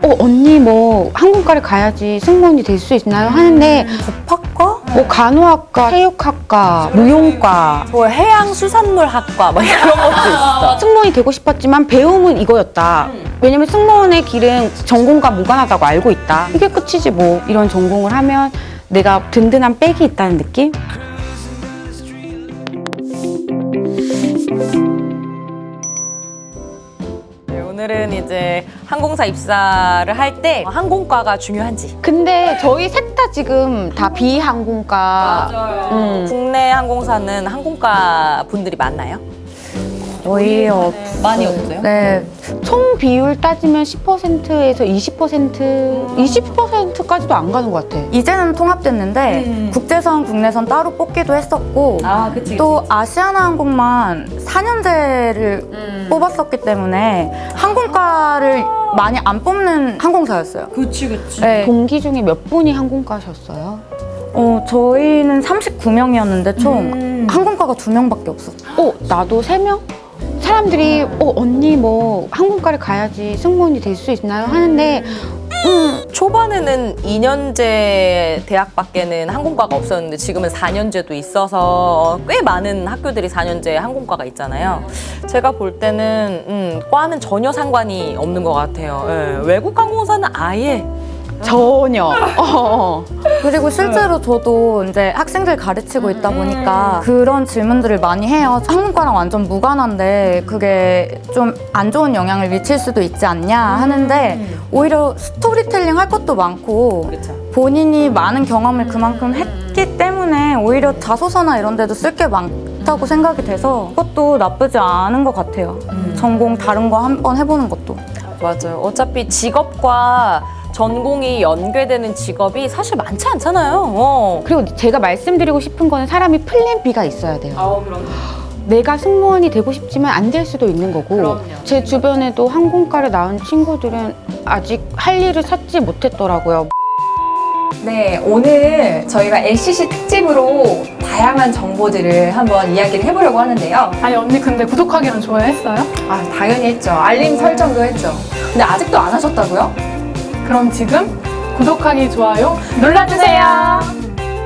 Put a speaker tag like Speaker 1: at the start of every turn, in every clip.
Speaker 1: 언니 뭐 항공과를 가야지 승무원이 될 수 있나요? 하는데
Speaker 2: 법학과?
Speaker 1: 뭐 간호학과, 체육학과, 무용과,
Speaker 2: 뭐 해양수산물학과 막 이런 것도 있어.
Speaker 1: 승무원이 되고 싶었지만 배움은 이거였다. 왜냐면 승무원의 길은 전공과 무관하다고 알고 있다. 이게 끝이지 뭐. 이런 전공을 하면 내가 든든한 백이 있다는 느낌?
Speaker 2: 네, 오늘은 이제 항공사 입사를 할 때 항공과가 중요한지.
Speaker 1: 근데 저희 셋 다 지금 다 비항공과.
Speaker 2: 국내 항공사는 항공과 분들이 많나요?
Speaker 3: 거의
Speaker 2: 많이 없어요?
Speaker 3: 네,
Speaker 1: 총 비율 따지면 10%에서 20%까지도 안 가는 것 같아.
Speaker 3: 이제는 통합됐는데 국제선, 국내선 따로 뽑기도 했었고
Speaker 2: 아, 그치.
Speaker 3: 또 아시아나항공만 4년제를 뽑았었기 때문에 항공과를 많이 안 뽑는 항공사였어요.
Speaker 2: 그치.
Speaker 3: 네,
Speaker 1: 동기 중에 몇 분이 항공과셨어요?
Speaker 3: 저희는 39명이었는데 총 항공과가 2명밖에 없었어요.
Speaker 1: 나도 3명? 사람들이 언니 뭐 항공과를 가야지 승무원이 될 수 있나요? 하는데
Speaker 2: 초반에는 2년제 대학밖에는 항공과가 없었는데 지금은 4년제도 있어서 꽤 많은 학교들이 4년제 항공과가 있잖아요. 제가 볼 때는 과는 전혀 상관이 없는 것 같아요. 예, 외국 항공사는 아예
Speaker 1: 전혀.
Speaker 3: 그리고 실제로 저도 이제 학생들 가르치고 있다 보니까 그런 질문들을 많이 해요. 항공과랑 완전 무관한데 그게 좀 안 좋은 영향을 미칠 수도 있지 않냐 하는데 오히려 스토리텔링 할 것도 많고
Speaker 2: 그렇죠.
Speaker 3: 본인이 많은 경험을 그만큼 했기 때문에 오히려 자소서나 이런 데도 쓸 게 많다고 생각이 돼서 그것도 나쁘지 않은 것 같아요. 전공 다른 거 한번 해보는 것도.
Speaker 2: 맞아요. 어차피 직업과 전공이 연계되는 직업이 사실 많지 않잖아요.
Speaker 1: 그리고 제가 말씀드리고 싶은 거는 사람이 플랜 B가 있어야 돼요.
Speaker 2: 그럼.
Speaker 1: 내가 승무원이 되고 싶지만 안 될 수도 있는 거고
Speaker 2: 그럼요.
Speaker 1: 제 주변에도 항공과를 나온 친구들은 아직 할 일을 찾지 못했더라고요.
Speaker 4: 네, 오늘 저희가 LCC 특집으로 다양한 정보들을 한번 이야기를 해보려고 하는데요.
Speaker 5: 아니 언니 근데 구독하기는 좋아했어요?
Speaker 4: 아, 당연히 했죠. 알림 설정도 했죠. 근데 아직도 안 하셨다고요?
Speaker 5: 그럼 지금 구독하기, 좋아요 눌러주세요.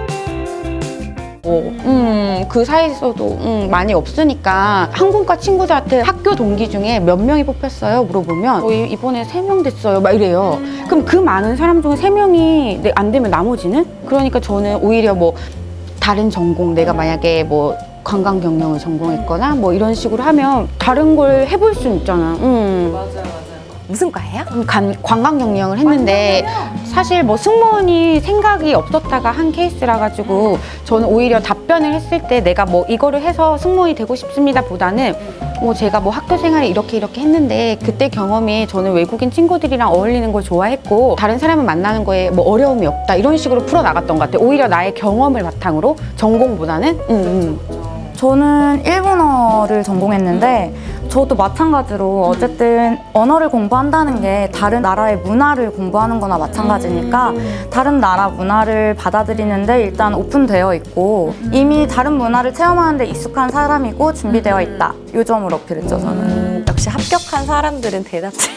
Speaker 1: 그 사이에서도 많이 없으니까 항공과 친구들한테 학교 동기 중에 몇 명이 뽑혔어요? 물어보면 저희 이번에 3명 됐어요 막 이래요. 그럼 그 많은 사람 중에 3명이 안 되면 나머지는? 그러니까 저는 오히려 뭐 다른 전공 내가 만약에 뭐 관광 경영을 전공했거나 뭐 이런 식으로 하면 다른 걸 해볼 수 있잖아.
Speaker 2: 맞아요. 무슨 과예요?
Speaker 1: 관광 경영을 했는데 사실 뭐 승무원이 생각이 없었다가 한 케이스라 가지고 저는 오히려 답변을 했을 때 내가 뭐 이거를 해서 승무원이 되고 싶습니다 보다는 뭐 제가 뭐 학교 생활을 이렇게 했는데 그때 경험이 저는 외국인 친구들이랑 어울리는 걸 좋아했고 다른 사람을 만나는 거에 뭐 어려움이 없다 이런 식으로 풀어나갔던 것 같아요. 오히려 나의 경험을 바탕으로 전공보다는
Speaker 3: 저는 일본어를 전공했는데 저도 마찬가지로 어쨌든 언어를 공부한다는 게 다른 나라의 문화를 공부하는 거나 마찬가지니까 다른 나라 문화를 받아들이는데 일단 오픈되어 있고 이미 다른 문화를 체험하는 데 익숙한 사람이고 준비되어 있다. 이 점을 어필했죠, 저는.
Speaker 2: 역시 합격한 사람들은 대답지.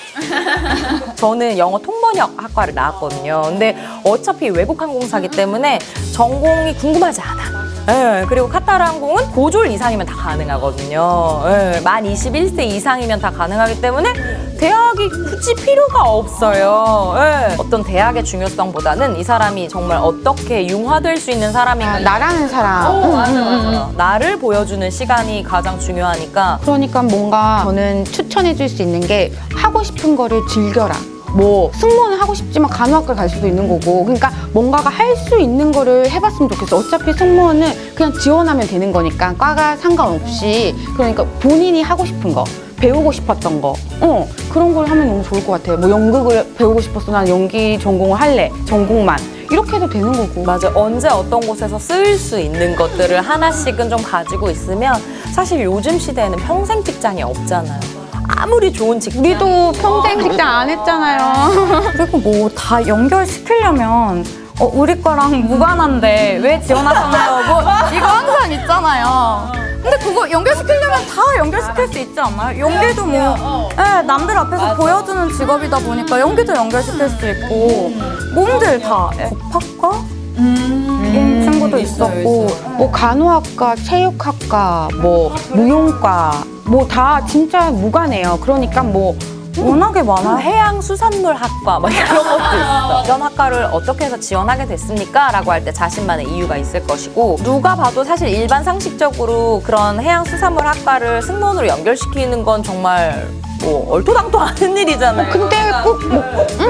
Speaker 2: 저는 영어 통번역 학과를 나왔거든요. 근데 어차피 외국 항공사기 때문에 전공이 궁금하지 않아. 예, 그리고 카타르 항공은 고졸 이상이면 다 가능하거든요. 예, 만 21세 이상이면 다 가능하기 때문에 대학이 굳이 필요가 없어요. 예, 어떤 대학의 중요성보다는 이 사람이 정말 어떻게 융화될 수 있는 사람인가.
Speaker 1: 나라는 사람.
Speaker 2: 맞아. 나를 보여주는 시간이 가장 중요하니까.
Speaker 1: 그러니까 뭔가 저는 추천해 줄 수 있는 게 하고 싶은 거를 즐겨라. 뭐 승무원은 하고 싶지만 간호학과 갈 수도 있는 거고 그러니까 뭔가가 할 수 있는 거를 해봤으면 좋겠어. 어차피 승무원은 그냥 지원하면 되는 거니까 과가 상관없이 그러니까 본인이 하고 싶은 거 배우고 싶었던 거 그런 걸 하면 너무 좋을 것 같아요. 뭐 연극을 배우고 싶었어. 난 연기 전공을 할래. 전공만 이렇게 해도 되는 거고.
Speaker 2: 맞아. 언제 어떤 곳에서 쓰일 수 있는 것들을 하나씩은 좀 가지고 있으면 사실 요즘 시대에는 평생 직장이 없잖아요. 아무리 좋은 직장
Speaker 1: 우리도 평생 직장 안 했잖아요.
Speaker 3: 그리고 뭐 다 연결시키려면 우리 거랑 무관한데 왜 지원하셨나요? 뭐 이거 항상 있잖아요. 근데 그거 연결시키려면 다 연결시킬 수 있지 않나요? 연기도 뭐 네, 남들 앞에서 보여주는 직업이다 보니까 연기도 연결시킬 수 있고 몸들 다 법학과? 인 친구도 있었고
Speaker 1: 뭐 간호학과, 체육학과, 뭐 무용과 뭐 다 진짜 무관해요. 그러니까 뭐
Speaker 3: 워낙에 많아요.
Speaker 2: 해양수산물학과 막 이런 것도 있어. 이런 학과를 어떻게 해서 지원하게 됐습니까? 라고 할 때 자신만의 이유가 있을 것이고 누가 봐도 사실 일반 상식적으로 그런 해양수산물학과를 승무원으로 연결시키는 건 정말 뭐 얼토당토 않은 일이잖아요.
Speaker 1: 근데 꼭 뭐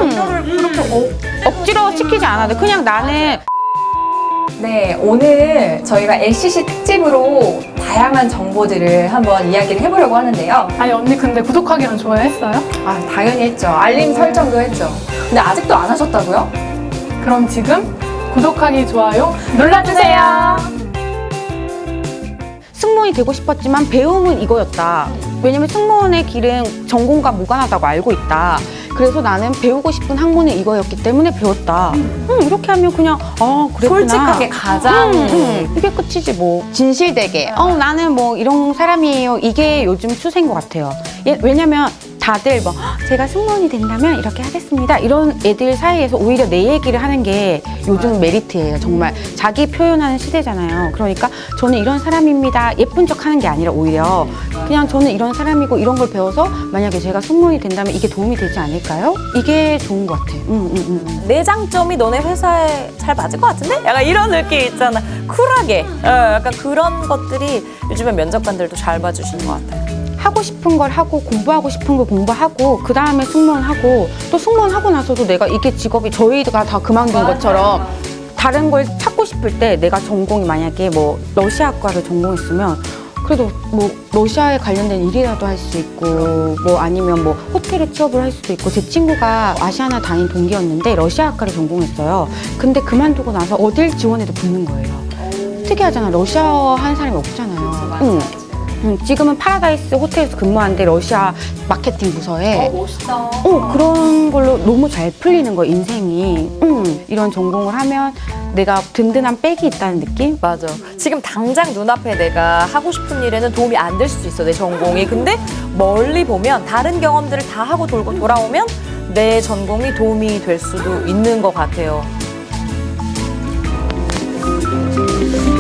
Speaker 1: 억지로 시키지 않아도 그냥 나는
Speaker 4: 네, 오늘 저희가 LCC 특집으로 다양한 정보들을 한번 이야기를 해보려고 하는데요.
Speaker 5: 아니 언니 근데 구독하기는 좋아했어요?
Speaker 4: 아, 당연히 했죠. 알림 설정도 했죠. 근데 아직도 안 하셨다고요?
Speaker 5: 그럼 지금 구독하기, 좋아요 눌러주세요.
Speaker 1: 승무원이 되고 싶었지만 배움은 이거였다. 왜냐면 승무원의 길은 전공과 무관하다고 알고 있다. 그래서 나는 배우고 싶은 학문은 이거였기 때문에 배웠다. 이렇게 하면 그냥 그랬구나.
Speaker 2: 솔직하게 가장
Speaker 1: 이게 끝이지 뭐. 진실되게 나는 뭐 이런 사람이에요. 이게 요즘 추세인 것 같아요. 왜냐면 다들 뭐 제가 승무원이 된다면 이렇게 하겠습니다. 이런 애들 사이에서 오히려 내 얘기를 하는 게 요즘 메리트예요. 정말 자기 표현하는 시대잖아요. 그러니까 저는 이런 사람입니다. 예쁜 척 하는 게 아니라 오히려 그냥 저는 이런 사람이고 이런 걸 배워서 만약에 제가 승무원이 된다면 이게 도움이 되지 않을까요? 이게 좋은 것 같아.
Speaker 2: 내 장점이 너네 회사에 잘 맞을 것 같은데? 약간 이런 느낌 있잖아. 쿨하게. 약간 그런 것들이 요즘에 면접관들도 잘 봐주시는 것 같아요.
Speaker 1: 하고 싶은 걸 하고 공부하고 싶은 걸 공부하고 그 다음에 승무원 하고 또 승무원 하고 나서도 내가 이게 직업이 저희가 다 그만둔 것처럼 다른 걸 찾고 싶을 때 내가 전공이 만약에 뭐 러시아과를 전공했으면 그래도 뭐 러시아에 관련된 일이라도 할 수 있고 뭐 아니면 뭐 호텔에 취업을 할 수도 있고 제 친구가 아시아나 다닌 동기였는데 러시아학과를 전공했어요. 근데 그만두고 나서 어딜 지원해도 붙는 거예요. 특이하잖아. 러시아 하는 사람이 없잖아요. 지금은 파라다이스 호텔에서 근무하는데 러시아 마케팅 부서에
Speaker 2: 멋있다.
Speaker 1: 그런 걸로 너무 잘 풀리는 거야 인생이. 이런 전공을 하면 내가 든든한 백이 있다는 느낌?
Speaker 2: 맞아. 지금 당장 눈앞에 내가 하고 싶은 일에는 도움이 안 될 수도 있어, 내 전공이. 근데 멀리 보면 다른 경험들을 다 하고 돌고 돌아오면 내 전공이 도움이 될 수도 있는 것 같아요.